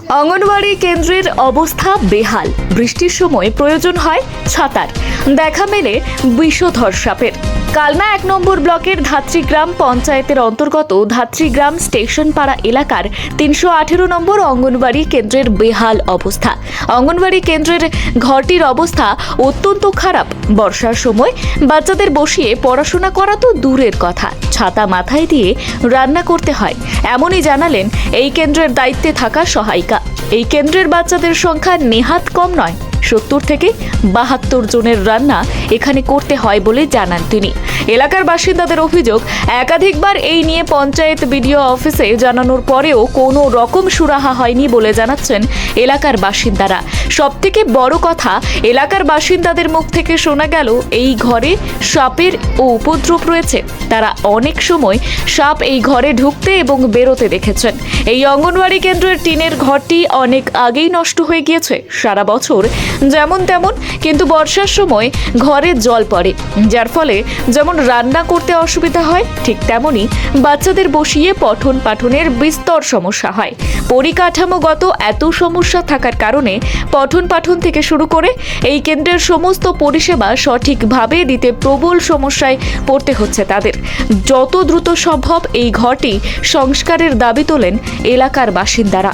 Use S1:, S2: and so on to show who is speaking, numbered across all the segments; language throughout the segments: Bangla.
S1: অঙ্গনওয়াড়ি কেন্দ্রের অবস্থা বেহাল। বৃষ্টির সময় প্রয়োজন হয় ছাতার। দেখা মেলে বিষধর সাপের। কালনা ১ নম্বর ব্লকের ধাত্রীগ্রাম পঞ্চায়েতের অন্তর্গত ধাত্রীগ্রাম স্টেশন পাড়া এলাকার ৩১৮ নম্বর অঙ্গনওয়াড়ি কেন্দ্রের বেহাল অবস্থা। অঙ্গনওয়াড়ি কেন্দ্রের ঘরটির অবস্থা অত্যন্ত খারাপ। বর্ষার সময় বাচ্চাদের বসিয়ে পড়াশোনা করা তো দূরের কথা, ছাতা মাথায় দিয়ে রান্না করতে হয়, এমনই জানালেন এই কেন্দ্রের দায়িত্বে থাকা সহায়িকা। এই কেন্দ্রের বাচ্চাদের সংখ্যা নেহাত কম নয়, ৭০ থেকে ৭২ জনের রান্না এখানে করতে হয় বলে জানান তিনি। এলাকার বাসিন্দাদের অভিযোগ, একাধিকবার এই নিয়ে পঞ্চায়েত বিডিও অফিসে জানানোর পরেও কোনো রকম সুরাহা হয়নি বলে জানাচ্ছেন এলাকার বাসিন্দারা। সবথেকে বড় কথা, এলাকার বাসিন্দাদের মুখ থেকে শোনা গেল এই ঘরে সাপের উপদ্রব রয়েছে। তারা অনেক সময় সাপ এই ঘরে ঢুকতে এবং বেরোতে দেখেছেন। এই অঙ্গনওয়াড়ি কেন্দ্রের টিনের ঘরটি অনেক আগেই নষ্ট হয়ে গিয়েছে। সারা বছর যেমন তেমন, কিন্তু বর্ষার সময় ঘরে জল পড়ে, যার ফলে যেমন রান্না করতে অসুবিধা হয়, ঠিক তেমনি বাচ্চাদের বসিয়ে পঠন পাঠনের বিস্তর সমস্যা হয়। পরিকাঠামোগত এত সমস্যা থাকার কারণে পঠন পাঠন থেকে শুরু করে এই কেন্দ্রের সমস্ত পরিষেবা সঠিকভাবে দিতে প্রবল সমস্যায় পড়তে হচ্ছে তাদের। যত দ্রুত সম্ভব এই ঘরটি সংস্কারের দাবি তোলেন এলাকার বাসিন্দারা।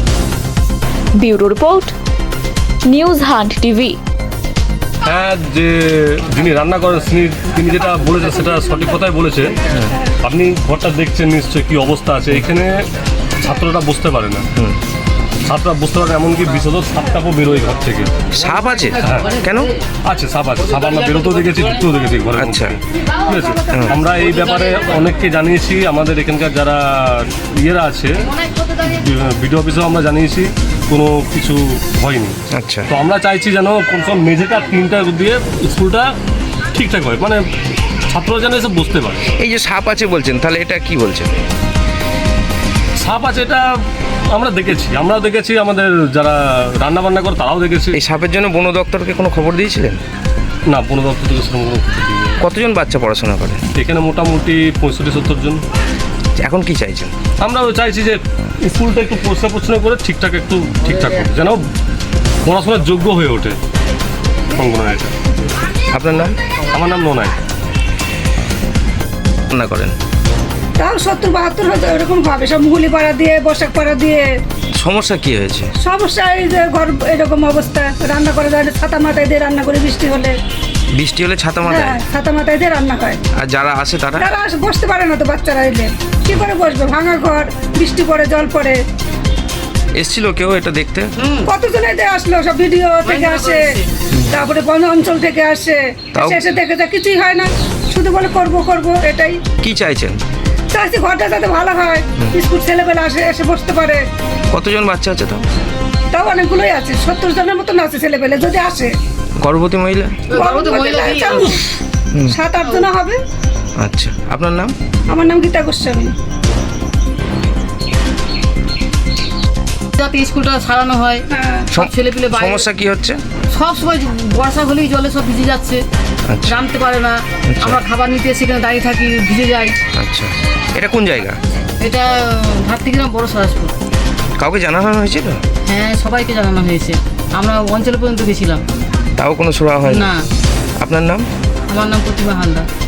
S1: Bureau report, news hunt TV.
S2: হ্যাঁ, যে যিনি রান্না করেন তিনি যেটা বলেছে সেটা সঠিক কথাই বলেছে। আপনি ঘরটা দেখছেন নিশ্চয়ই কি অবস্থা আছে। এখানে ছাত্ররা বুঝতে পারে না, ছাত্ররা বুঝতে পারে না, এমনকি বিষধর সাপটাপও বেরোয় ঘর থেকে।
S3: সাপ আছে?
S2: হ্যাঁ,
S3: কেন
S2: আছে, সাপ আছে। সাপ আমরা বেরোতেও দেখেছি, ঢুকতেও দেখেছি ঘরের মধ্যে।
S3: আচ্ছা।
S2: ঠিক আছে, আমরা এই ব্যাপারে অনেককে জানিয়েছি। আমাদের এখানকার যারা ইয়েরা আছে, বিডিও অফিসেও আমরা জানিয়েছি, কোনো কিছু হয়নি।
S3: আচ্ছা।
S2: তো আমরা চাইছি যেন সব মেঝেটা টিনটা দিয়ে স্কুলটা ঠিকঠাক হয়, মানে ছাত্ররা যেন এসে বুঝতে পারে।
S3: এই যে সাপ আছে বলছেন, তাহলে এটা কি বলছেন?
S2: সাপ আছে এটা আমরাও দেখেছি, আমাদের যারা রান্না বান্না করে তারাও দেখেছি।
S3: এই সাপের জন্য বন দপ্তরকে কোনো খবর দিয়েছিলেন?
S2: না, বন দপ্তর থেকে সেরকম কোনো কিছু দিইনি।
S3: কতজন বাচ্চা পড়াশোনা করে
S2: এখানে? মোটামুটি 65-70 জন।
S3: এখন কি চাইছেন?
S2: আমরাও চাইছি যে স্কুলটা একটু পরিষ্কার পরিচ্ছন্ন করে ঠিকঠাক হোক, যেন পড়াশোনার যোগ্য হয়ে ওঠে অঙ্গনওয়াড়িটা।
S3: আপনার নাম?
S2: আমার নাম নোনাই।
S3: রান্না করেন?
S4: তাও 70-72 হয়তো এরকম ভাবে, সব মুহুলি পাড়া দিয়ে, বসাক পাড়া দিয়ে।
S3: সমস্যা কি হয়েছে?
S4: সমস্যা এই যে ঘর এরকম অবস্থা, রান্না করে যায় ছাতা মাথায় দিয়ে রান্না করে, বৃষ্টি হলে
S3: ছাতা মাথায়?
S4: হ্যাঁ, ছাতা মাথায় দিয়ে রান্না হয়।
S3: আর যারা আসে তারা
S4: বসতে পারে না তো, বাচ্চারা এলে কি করে বসবে? ভাঙা ঘর, বৃষ্টি পড়ে, জল পড়ে।
S3: এসছিল কেউ এটা দেখতে?
S4: কতজন এদের আসলো, সব ভিডিও থেকে আসে, তারপরে বন অঞ্চল থেকে আসে, এসে দেখে যা কিছুই হয় না, শুধু বলে করবো, এটাই।
S3: কি চাইছেন?
S4: চাইছি ঘরটা যাতে ভালো হয়, স্কুল ছেলেবেলা এসে বসতে পারে।
S3: কতজন বাচ্চা আছে
S4: তাও অনেকগুলোই আছে, 70 জনের মতন আছে ছেলেবেলে যদি আসে।
S3: গর্ভবতী মহিলা?
S4: 7-8 জন হবে।
S3: আচ্ছা, আপনার নাম?
S4: আমার নাম গীতা গোস্বামী।
S5: যাতে স্কুলটা সারানো হয়, সব ছেলেপিলে বাইরে।
S3: সমস্যা কি হচ্ছে?
S5: সব সময় বর্ষা হলেই জলে সব ভিজে যাচ্ছে, নামতে পারে না। আমরা খাবার নিতে সেখানে দাঁড়িয়ে থাকি, ভিজে যাই।
S3: আচ্ছা, এটা কোন জায়গা?
S5: এটা ধাত্রীগ্রাম বড় সরাসপুর।
S3: কাউকে জানানো হয়েছিল?
S5: হ্যাঁ, সবাইকে জানানো হয়েছে। আমরা অঞ্চল পর্যন্ত গেছিলাম,
S3: তাও কোনো সুরাহা হয়
S5: না।
S3: আপনার নাম?
S5: আমার নাম প্রতিমা হালদার।